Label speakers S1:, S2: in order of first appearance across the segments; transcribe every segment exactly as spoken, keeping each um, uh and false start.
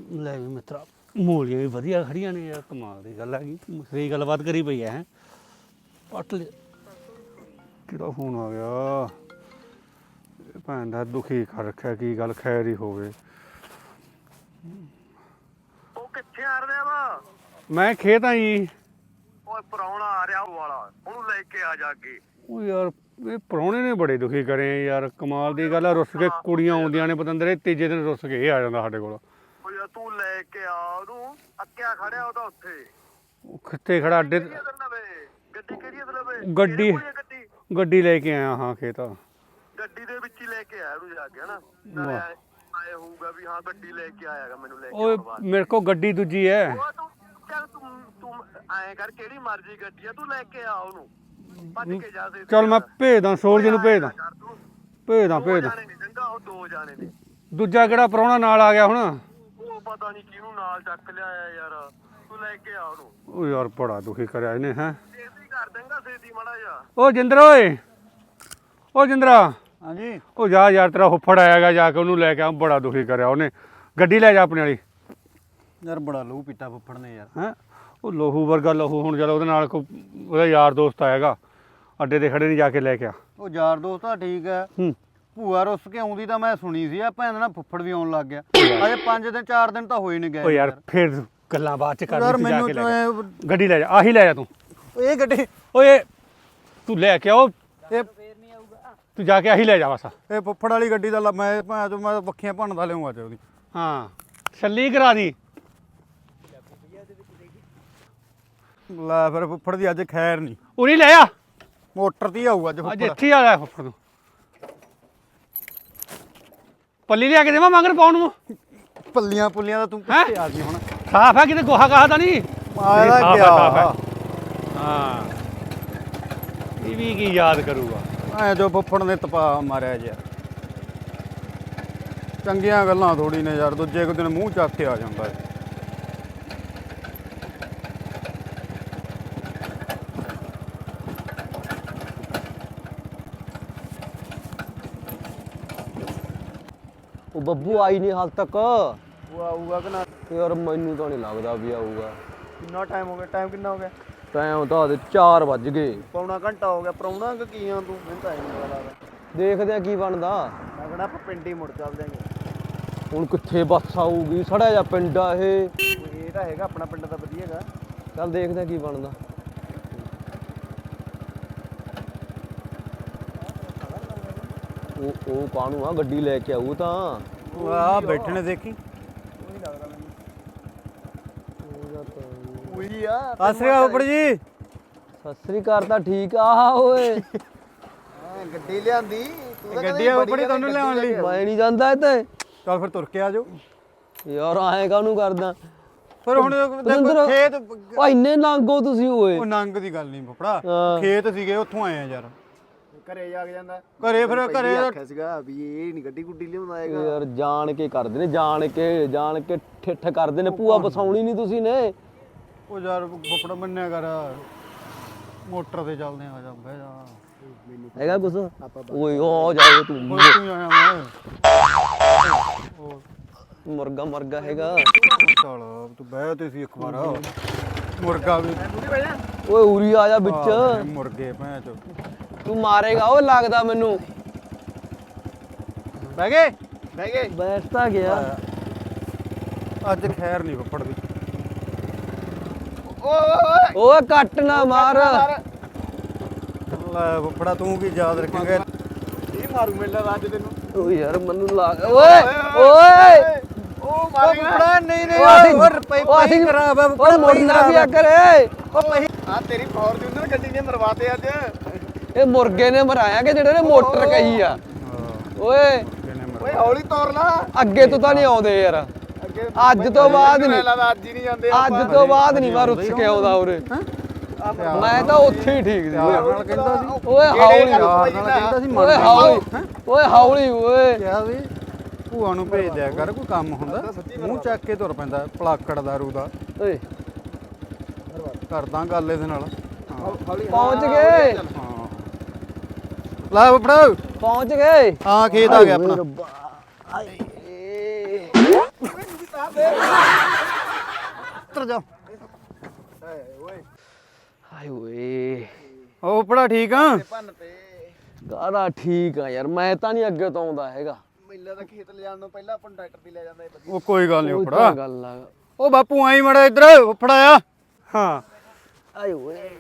S1: ਲੈ ਵੀ ਮਿੱਤਰਾ ਮੂਲੀਆਂ ਵੀ ਵਧੀਆ ਖੜੀਆਂ ਨੇ ਯਾਰ, ਕਮਾਲ ਦੀ ਗੱਲ ਹੈਗੀ। ਸਹੀ ਗੱਲਬਾਤ ਕਰੀ ਪਈ ਹੈ। ਪੱਟ ਲਿਆ। ਕਿਹੜਾ ਫੋਨ ਆ ਗਿਆ? ਭੈਣ ਦਾ ਦੁਖੀ ਕਰ ਰੱਖਿਆ, ਕੀ ਗੱਲ ਖੈਰ ਹੀ ਹੋਵੇ।
S2: ਉਹ ਕਿੱਥੇ ਆ ਰਿਹਾ ਵਾ?
S1: ਮੈਂ ਖੇਤ ਆ ਜੀ।
S2: ਓਏ ਪ੍ਰਾਹੁਣਾ ਆ ਰਿਹਾ ਉਹ ਵਾਲਾ, ਉਹਨੂੰ ਲੈ ਕੇ ਆ ਜਾ ਕੇ।
S1: ਉਹ ਯਾਰ ਇਹ ਪ੍ਰਾਹੁਣੇ ਨੇ ਬੜੇ ਦੁਖੀ ਕਰੇ ਯਾਰ, ਕਮਾਲ ਦੀ ਗੱਲ ਆ। ਰੁੱਸ ਕੇ ਕੁੜੀਆਂ ਆਉਂਦੀਆਂ ਨੇ ਪਤੰਦਰੇ, ਤੀਜੇ ਦਿਨ ਰੁੱਸ ਕੇ ਇਹ ਆ ਜਾਂਦਾ ਸਾਡੇ ਕੋਲ।
S2: ਓ ਯਾਰ ਤੂੰ ਲੈ ਕੇ ਆ ਉਹਨੂੰ, ਅੱਕਿਆ ਖੜਿਆ ਉਹਦਾ ਉੱਥੇ।
S1: ਉਹ ਕਿੱਥੇ ਖੜਾ ਅੱਡੇ?
S2: ਗੱਡੀ ਕਿਹੜੀ ਆ ਲਵੇ?
S1: ਗੱਡੀ
S2: ਗੱਡੀ
S1: ਗੱਡੀ ਲੈ ਕੇ ਆਇਆ ਹਾਂ ਖੇਤ।
S2: ਗੱਡੀ ਦੇ ਵਿੱਚ ਹੀ ਲੈ ਕੇ ਆਇਆ ਉਹਨੂੰ ਜਾ ਕੇ, ਹਨਾ? ਆਏ ਹੋਊਗਾ ਵੀ ਹਾਂ ਗੱਡੀ ਲੈ ਕੇ ਆਇਆਗਾ ਮੈਨੂੰ ਲੈ ਕੇ।
S1: ਓਏ ਮੇਰੇ ਕੋਲ ਗੱਡੀ ਦੂਜੀ ਹੈ।
S2: ਉਹ ਤੂੰ ਚੱਲ ਤੂੰ ਤੂੰ ਐਂ ਕਰ, ਕਿਹੜੀ ਮਰਜ਼ੀ ਗੱਡੀ ਆ, ਤੂੰ ਲੈ ਕੇ ਆ ਉਹਨੂੰ, ਭੱਜ ਕੇ ਜਾ ਦੇ।
S1: ਚੱਲ ਮੈਂ ਭੇਜਦਾ, ਸੂਰਜ ਨੂੰ ਭੇਜਦਾ ਭੇਜਦਾ ਭੇਜਦਾ
S2: ਉਹ ਦੋ ਜਾਣੇ ਨੇ।
S1: ਦੂਜਾ ਕਿਹੜਾ ਪ੍ਰਾਹੁਣਾ ਨਾਲ ਆ ਗਿਆ ਹੁਣ?
S2: ਉਹ ਪਤਾ ਨਹੀਂ ਕਿਹਨੂੰ ਨਾਲ ਚੱਕ ਲਿਆਇਆ ਯਾਰ, ਤੂੰ ਲੈ ਕੇ ਆ ਉਹਨੂੰ।
S1: ਉਹ ਯਾਰ ਬੜਾ ਦੁਖੀ ਕਰਿਆ ਇਹਨੇ। ਹੈ
S2: ਛੇਤੀ ਕਰ ਦੇਂਗਾ, ਛੇਤੀ ਮਾੜਾ ਜਾ।
S1: ਉਹ ਜਿੰਦਰ ਓਏ, ਉਹ ਜਿੰਦਰਾ।
S3: ਹਾਂਜੀ।
S1: ਉਹ ਜਾ ਯਾਰ, ਤੇਰਾ ਹੁੱਫੜ ਆਏਗਾ, ਜਾ ਕੇ ਉਹਨੂੰ ਲੈ ਕੇ ਆ। ਬੜਾ ਦੁਖੀ ਕਰਿਆ ਉਹਨੇ। ਗੱਡੀ ਲੈ ਜਾ ਆਪਣੇ ਵਾਲੀ।
S3: ਯਾਰ ਬੜਾ ਲਹੂ ਪੀਤਾ ਫੁੱਫੜ ਨੇ ਯਾਰ।
S1: ਹੈ ਉਹ ਲਹੂ ਵਰਗਾ ਲਹੂ। ਹੁਣ ਚੱਲ ਉਹਦੇ ਨਾਲ ਕੋਈ ਉਹਦਾ ਯਾਰ ਦੋਸਤ ਆਏਗਾ, ਅੱਡੇ ਤੇ ਖੜੇ ਨਹੀਂ, ਜਾ ਕੇ ਲੈ ਕੇ ਆ।
S3: ਉਹ ਯਾਰ ਦੋਸਤ ਤਾਂ ਠੀਕ ਹੈ,
S1: ਹੂੰ।
S3: ਭੂਆ ਰੁੱਸ ਕੇ ਆਉਂਦੀ ਤਾਂ ਮੈਂ ਸੁਣੀ ਸੀ, ਆ ਭੈਣ ਨਾਲ ਫੁੱਫੜ ਵੀ ਆਉਣ ਲੱਗ ਗਿਆ। ਅਜੇ ਪੰਜ ਦਿਨ ਚਾਰ ਦਿਨ ਤਾਂ ਹੋਏ ਨਹੀਂ ਗਏ।
S1: ਉਹ ਯਾਰ ਫਿਰ ਗੱਲਾਂ ਬਾਅਦ ਚ ਕਰ,
S3: ਯਾਰ
S1: ਜਾ
S3: ਮੈਨੂੰ
S1: ਕੇ ਲੈ ਜਾ। ਗੱਡੀ ਲੈ ਜਾ, ਆਹੀ ਲੈ ਜਾ ਤੂੰ।
S3: ਇਹ ਗੱਡੀ
S1: ਓਏ ਤੂੰ ਲੈ ਕੇ ਆਓ,
S3: ਇਹ
S1: ਤੂੰ ਜਾ ਕੇ ਆਹੀ ਲੈ ਜਾ ਬਸ।
S3: ਇਹ ਫੁੱਫੜ ਵਾਲੀ ਗੱਡੀ ਦਾ ਲ- ਮੈਂ ਭੈਣ ਚੋਂ ਮੈਂ ਵੱਖੀਆਂ ਭੰਨਦਾ ਲਿਆਉਂਗਾ ਤੇ ਉਹਦੀ।
S1: ਹਾਂ ਛੱਲੀ ਕਰਾ ਦੀ।
S3: ਲੈ ਫਿਰ ਫੁੱਫੜ ਦੀ ਅੱਜ ਖੈਰ ਨਹੀਂ,
S1: ਉਰੀ ਲੈ ਆ,
S3: ਮੋਟਰ ਤੇ ਹੀ ਆਊ ਅੱਜ
S1: ਅੱਜ
S3: ਫੁੱਫੜ।
S1: ਇੱਥੇ ਆ ਲੈ ਫੁੱਫੜ ਨੂੰ। ਪੱਲੀ ਲਿਆ ਕੇ ਦੇਵਾਂ ਮਗਰ ਪਾਉਣ ਨੂੰ?
S3: ਪੱਲੀਆਂ ਪੁੱਲੀਆਂ ਦਾ ਤੂੰ
S1: ਹੈਂ?
S3: ਕਿੱਥੇ ਆ ਗਈ ਹੁਣ?
S1: ਸਾਫ ਹੈ, ਕਿਤੇ ਗੋਹਾ ਗਾਹ ਤਾਂ ਨਹੀਂ?
S3: ਆਇਆ
S1: ਸਾਫ਼ ਹੈ,
S3: ਪਿਆ
S1: ਸਾਫ਼ ਹੈ। ਹਾਂ ਇਹ ਵੀ ਕੀ ਯਾਦ ਕਰੂਗਾ।
S3: ਐ ਜੋ ਫੁੱਫੜ ਨੇ ਤਪਾ ਮਾਰਿਆ ਜਿਆ। ਚੰਗੀਆਂ ਗੱਲਾਂ ਥੋੜੀ ਨੇ ਯਾਰ, ਦੂਜੇ ਕੁ ਦਿਨ ਮੂੰਹ ਚੱਕ ਕੇ ਆ ਜਾਂਦਾ ਹੈ।
S4: ਉਹ ਬੱਬੂ ਆਈ ਨਹੀਂ ਹਾਲ ਤੱਕ।
S3: ਉਹ ਆਊਗਾ ਕਿ ਨਾ?
S4: ਯਾਰ ਮੈਨੂੰ ਤਾਂ ਨਹੀਂ ਲੱਗਦਾ ਵੀ ਆਊਗਾ।
S3: ਕਿੰਨਾ ਟਾਈਮ ਹੋ ਗਿਆ? ਟਾਈਮ ਕਿੰਨਾ ਹੋ ਗਿਆ?
S4: ਟਾਈਮ ਤਾਂ ਦੇ ਚਾਰ ਵੱਜ ਗਏ।
S3: ਪੌਣਾ ਘੰਟਾ ਹੋ ਗਿਆ। ਪ੍ਰਾਹੁਣਾ ਕਿ ਕੀ ਆ ਤੂੰ? ਮੈਨੂੰ ਤਾਂ ਨਹੀਂ ਪਤਾ ਲੱਗਦਾ।
S4: ਦੇਖਦੇ ਆ ਕੀ ਬਣਦਾ।
S3: ਮੈਂ ਕਹਿੰਦਾ ਆਪਾਂ ਪਿੰਡ ਹੀ ਮੁੜ ਚੱਲਦੇ ਆਂਗੇ।
S4: ਹੁਣ ਕਿੱਥੇ ਬੱਸ ਆਊਗੀ? ਸੜਿਆ ਜਾ ਪਿੰਡ ਆ ਇਹ।
S3: ਇਹ ਤਾਂ ਹੈਗਾ ਆਪਣਾ ਪਿੰਡ ਤਾਂ ਵਧੀਆ ਹੈਗਾ।
S4: ਚੱਲ ਦੇਖਦੇ ਆ ਕੀ ਬਣਦਾ। ਉਹ ਉਹ ਕਾਹਨੂੰ ਆ, ਗੱਡੀ ਲੈ ਕੇ ਆਊ ਤਾਂ।
S3: ਆ ਬੈਠੇ ਨੇ ਦੇਖੀ।
S4: ਉਹੀ ਆ।
S3: ਸਤਿ ਸ੍ਰੀ ਅਕਾਲ ਫੁੱਫੜ ਜੀ।
S4: ਸਤਿ ਸ੍ਰੀ ਅਕਾਲ ਤਾਂ ਠੀਕ ਆ ਓਏ।
S3: ਗੱਡੀ ਲਿਆਂਦੀ। ਗੱਡੀ ਆ ਫੁੱਫੜ ਜੀ ਤੁਹਾਨੂੰ ਲਿਆਉਣ ਲਈ।
S4: ਮੈਂ ਨਹੀਂ ਜਾਂਦਾ ਇੱਥੇ।
S3: ਚੱਲ ਫਿਰ ਤੁਰ ਕੇ ਆ ਜਾਓ।
S4: ਯਾਰ ਆਏ ਕਾਹਨੂੰ ਕਰਦਾ?
S3: ਫਿਰ ਹੁਣ ਦੇਖੋ
S4: ਪਤੰਦਰ-
S3: ਖੇਤ।
S4: ਓ ਇੰਨੇ ਨੰਗੋ ਤੁਸੀਂ ਓਏ।
S3: ਉਹ ਨੰਗ ਦੀ ਗੱਲ ਨਹੀਂ ਫੁੱਫੜਾ,
S4: ਹਾਂ।
S3: ਖੇਤ ਸੀਗੇ ਉੱਥੋਂ ਆਏ ਆ ਯਾਰ।
S2: ਘਰੇ ਜਾ ਕੇ ਜਾਂਦਾ
S3: ਘਰੇ ਫਿਰ ਘਰੇ
S2: ਆਖਿਆ ਸੀਗਾ ਵੀ ਇਹ ਨਹੀਂ ਗੱਡੀ ਗੁੱਡੀ ਲਿਆਉਂਦਾ ਹੈਗਾ।
S4: ਯਾਰ ਜਾਣ ਕੇ ਕਰਦੇ ਨੇ, ਜਾਣ ਕੇ ਜਾਣ ਕੇ ਠਿੱਠ ਕਰਦੇ ਨੇ। ਭੂਆ ਬਸਾਉਣੀ ਨਹੀਂ ਤੁਸੀਂ ਨੇ।
S3: ਉਹ ਯਾਰ ਫੁੱਫੜ ਮੰਨਿਆ ਕਰ, ਮੋਟਰ ਤੇ ਚੱਲਦੇ ਆ। ਜਾ ਬਹਿ ਜਾ।
S4: ਹੈਗਾ ਕੁਛ? ਓਏ ਹੋ ਜਾਏ ਤੂੰ।
S3: ਹੋਰ ਤੂੰ ਆਇਆ ਮੈਂ।
S4: ਮੁਰਗਾ ਮਰਗਾ ਹੈਗਾ।
S3: ਚੱਲ ਤੂੰ ਬਹਿ ਤੇ ਸੀ ਇੱਕ ਵਾਰ। ਮੁਰਗਾ ਵੀ
S4: ਓਏ ਉਰੀ ਆ ਜਾ ਵਿੱਚ।
S3: ਆਹ, ਮੁਰਗੇ ਭੈਣ ਚੋ।
S4: ਤੂੰ ਮਾਰੇਗਾ ਉਹ ਲੱਗਦਾ ਮੈਨੂੰ।
S3: ਬਹਿ ਗਏ ਬਹਿ ਗਏ।
S4: ਬੈਠ ਤਾਂ ਗਿਆ।
S3: ਅੱਜ ਖੈਰ ਨਹੀਂ ਫੁੱਫੜ ਦੀ।
S4: ਓਏ ਕੱਟ ਨਾ ਮਾਰ।
S3: ਲੈ ਫੁੱਫੜਾ ਤੂੰ ਕੀ ਯਾਦ ਰੱਖੇਂਗਾ?
S2: ਇਹ ਮਾਰੂ ਮੇਲਾ ਅੱਜ ਤੈਨੂੰ।
S4: ਓ ਯਾਰ ਮੈਨੂੰ ਲੱਗ ਓਏ ਓਏ
S2: ਉਹ
S3: ਫੁੱਫੜਾ ਨਹੀਂ ਨਹੀਂ।
S4: ਉਹ ਅਸੀਂ-
S3: ਹੋਰ ਪਈ
S4: ਉਹ ਅਸੀਂ-
S3: ਪਈ ਖਰਾਬ ਹੈ
S4: ਓਏ
S3: ਫੁੱਫੜਾ।
S4: ਮੁਰਗਾ ਵੀ ਆ ਕਰੇ।
S3: ਉਹ ਪਈ।
S2: ਆ ਤੇਰੀ ਫੋਰਚੂਨਰ ਗੱਡੀ ਨੇ ਮਰਵਾਤੇ ਅੱਜ।
S4: ਇਹ ਮੁਰਗੇ ਨੇ ਮਰਾਇਆ ਕਿ ਜਿਹੜੇ ਨੇ ਮੋਟਰ ਕਹੀ ਆ। ਓਏ
S2: ਓਏ ਹੌਲੀ ਤੋਰ ਲਾ,
S4: ਅੱਗੇ ਤੋਂ ਤਾਂ ਨਹੀਂ ਆਉਂਦੇ ਯਾਰ।
S2: ਅੱਗੇ
S4: ਅੱਜ ਤੋਂ ਬਾਅਦ ਨਹੀਂ।
S2: ਲੱਗਦਾ ਅੱਜ ਹੀ ਨਹੀਂ ਜਾਂਦੇ
S4: ਅੱਜ ਤੋਂ ਬਾਅਦ ਨਹੀਂ ਮੈਂ ਰੁੱਸ ਕੇ ਆਉਂਦਾ ਉਰੇ। ਮੈਂ ਤਾਂ ਉੱਥੇ ਹੀ ਠੀਕ ਸੀ।
S3: ਪਿਆਰ ਨਾਲ ਕਹਿੰਦਾ ਸੀ।
S4: ਓਏ ਹੌਲੀ
S3: ਪਿਆਰ ਨਾਲ ਕਹਿੰਦਾ ਸੀ।
S4: ਓਏ ਹੌਲੀ ਓਏ ਹੌਲੀ ਓਏ।
S3: ਕਿਹਾ ਵੀ ਭੂਆ ਨੂੰ ਭੇਜ ਦਿਆ ਕਰ, ਕੋਈ ਕੰਮ ਹੁੰਦਾ ਮੂੰਹ ਚੱਕ ਕੇ ਤੁਰ ਪੈਂਦਾ ਪਲਾਕੜ ਦਾਰੂ ਦਾ।
S4: ਓਏ
S3: ਕਰਦਾ ਗੱਲ ਇਹਦੇ ਨਾਲ।
S4: ਪਹੁੰਚ ਗਏ
S3: ਹਾਂ ਲੈ ਫੁੱਫੜਾ
S4: ਪਹੁੰਚ ਗਏ।
S3: ਹਾਂ ਖੇਤ ਆ ਗਿਆ ਆਪਣਾ। ਉੱਤਰ ਜਾ
S4: ਹਾਏ ਓਏ
S3: ਉਹ ਫੁੱਫੜਾ ਠੀਕ ਆ
S4: ਗਾਰਾ ਠੀਕ ਆ ਯਾਰ ਮੈਂ ਤਾਂ ਨਹੀਂ ਅੱਗੇ ਤੋਂ ਆਉਂਦਾ ਹੈਗਾ
S2: ਮੇਲਾ ਦਾ ਖੇਤ ਲਿਜਾਣ ਨੂੰ ਪਹਿਲਾਂ ਆਪਾਂ ਟਰੈਕਟਰ ਤੇ ਲੈ ਜਾਂਦਾ ਇਹ ਵਧੀਆ
S3: ਉਹ ਕੋਈ ਗੱਲ ਨਹੀਂ
S4: ਉਹ
S3: ਫੁੱਫੜਾ
S4: ਤਾਂ ਗੱਲ ਆ
S3: ਉਹ ਬਾਪੂ ਆਈ ਮੜਾ ਇੱਧਰ ਫੁੱਫੜਾ ਆ
S1: ਹਾਂ
S4: ਆਏ ਓਏ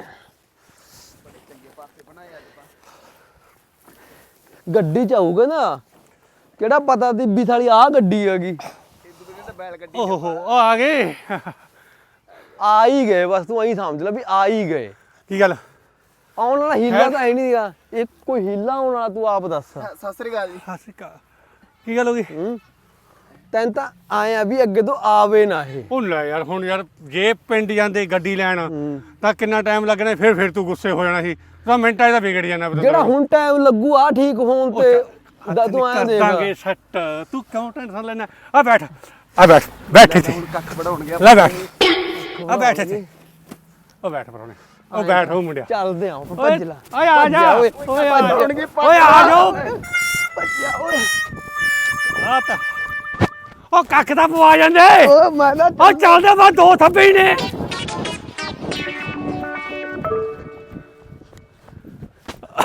S4: ਗੱਡੀ ਚ ਆਊਗਾ ਨਾ ਕਿਹੜਾ ਪਤਾ ਦੀ ਵੀ ਸਾਲੀ ਆ ਗੱਡੀ ਹੈਗੀ
S1: ਓਹ ਹੋ ਉਹ ਆ ਗਏ
S4: ਆ ਹੀ ਗਏ ਬਸ ਤੂੰ ਐਂ ਸਮਝ ਲੈ ਵੀ ਆ ਹੀ ਗਏ
S1: ਕੀ ਗੱਲ
S4: ਆਉਣ ਵਾਲਾ ਹੀਲਾ ਤਾਂ ਹੈ ਨਹੀਂਗਾ ਇਹ ਕੋਈ ਹੀਲਾ ਆਉਣ ਵਾਲਾ ਤੂੰ ਆਪ ਦੱਸ
S2: ਸਤਿ ਸ੍ਰੀ ਅਕਾਲ ਜੀ
S1: ਹਾਸਿਕਾ ਕੀ ਗੱਲ ਹੋ ਗਈ
S4: ਹੂੰ ਤੈਨੂੰ ਤਾਂ ਆਇਆ ਵੀ ਅੱਗੇ ਤੋਂ ਆਵੇ ਨਾ ਇਹ
S1: ਉਹ ਲੈ ਯਾਰ ਹੁਣ ਯਾਰ ਜੇ ਪਿੰਡ ਜਾਂਦੇ ਗੱਡੀ ਲੈਣ
S4: ਹੂੰ।
S1: ਤਾਂ ਕਿੰਨਾ ਟਾਈਮ ਲੱਗਣਾ ਫਿਰ ਫਿਰ ਤੂੰ ਗੁੱਸੇ ਹੋ ਜਾਣਾ ਸੀ ਤਾਂ ਮਿੰਟਾਂ 'ਚ ਤਾਂ ਵਿਗੜ ਜਾਣਾ
S4: ਜਿਹੜਾ ਹੁਣ ਟਾਈਮ ਲੱਗੂ ਆ ਠੀਕ ਹੋਣ ਤੇ ਦਾ ਤੂੰ ਆਇਆ ਦੇਖ
S1: ਦਾਂਗੇ ਸੱਟ ਤੂੰ ਕਿਉਂ ਟੈਨਸ਼ਨ ਲੈਣਾ ਆ ਬੈਠ ਆ ਬੈਠ ਬੈਠ ਇੱਥੇ
S2: ਕੱਖ ਵੜਾਉਣ ਗਿਆ
S1: ਲੈ ਬੈਠ ਆ ਬੈਠ ਇੱਥੇ ਉਹ ਬੈਠ ਪਰੋਣੇ ਉਹ ਬੈਠ ਉਹ ਮੁੰਡਿਆ
S4: ਚੱਲਦੇ ਆ
S1: ਓਏ
S4: ਭੱਜ ਲੈ
S1: ਓਏ ਆ
S4: ਭੱਜ
S1: ਜਾ
S4: ਓਏ
S1: ਓਏ ਆ ਜਾ
S4: ਭੱਜਣਗੇ,
S1: ਓਏ ਆ ਜਾਓ
S4: ਭੱਜਿਆ ਓਏ
S1: ਆ ਤਾਂ ਉਹ ਕੱਖ ਤਾਂ ਪਵਾ ਜਾਂਦੇ
S4: ਓ ਮੈਂ ਨਾ
S1: ਉਹ ਚੱਲਦੇ ਬਾ ਦੋ ਥੱਬੇ ਹੀ ਨੇ